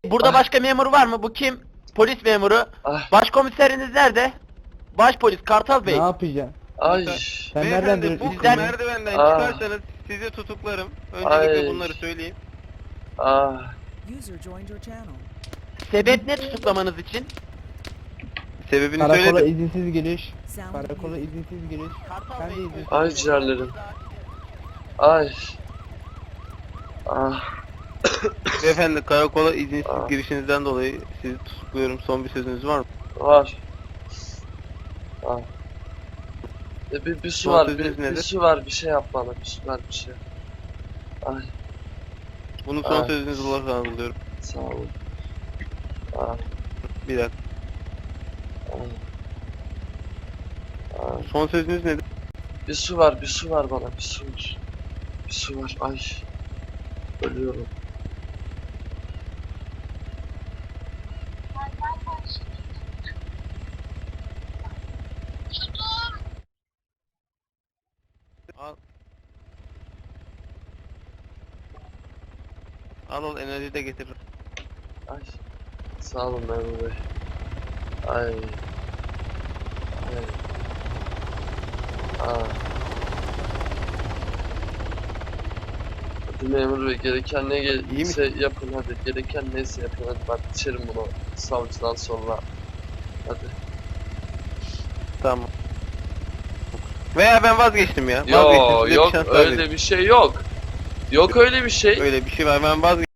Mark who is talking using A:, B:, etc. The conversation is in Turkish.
A: Burada başka memur var mı? Bu kim? Polis memuru.
B: Ah.
A: Başkomiseriniz nerede? Başpolis Kartal
C: Ne
A: Bey.
C: yapacaksın?
B: Ay.
C: Sen nereden
D: Beyefendi
C: duruyorsun?
D: bu
A: Bizden-
D: merdivenden
B: Ah.
D: çıkarsanız sizi tutuklarım. Öncelikle
B: Ay.
D: bunları söyleyeyim.
B: Ah.
E: User joined your channel.
A: Sebep ne tutuklamanız için?
D: Sebebini
C: Karakola
D: söyledim.
C: izinsiz giriş.
E: Sound
C: Karakola
E: muted.
C: izinsiz giriş.
A: Kartal
C: Ben de
A: Bey.
C: izin-
B: Ay ciğerlerim. Ay. Ah.
D: Beyefendi karakola izinsiz
B: Ah.
D: girişinizden dolayı sizi tutukluyorum. Son bir sözünüz var mı?
B: Var. Ah. Bir su
D: Son
B: var,
D: sözünüz
B: bir
D: nedir?
B: su var, bir şey yap bana, bir su ver, bir şey. Ay,
D: Bunun son
B: Ah.
D: sözünüz olarak anlıyorum.
B: sağ olun. Ah,
D: Bir dakika.
B: ah, ah.
D: Son sözünüz nedir?
B: Bir su var, bir su var bana, bir su var. Bir su var, ay. Ölüyorum.
D: Al. Al enerji de getir.
B: Ay. Sağ olun memur bey. Ay. Ay. Ah. Hadi memur bey, gereken ne
D: İyi
B: neyse yapın hadi. Gereken neyse yapın hadi, ben içerim bunu savcıdan sonra. Hadi.
D: Tamam. Veya ben vazgeçtim ya.
B: Yo
D: Vazgeçtim. Size bir
B: yok
D: şans daha vereyim.
B: öyle bir şey yok. Yok öyle bir şey.
D: Öyle bir şey var. Ben vazgeçtim.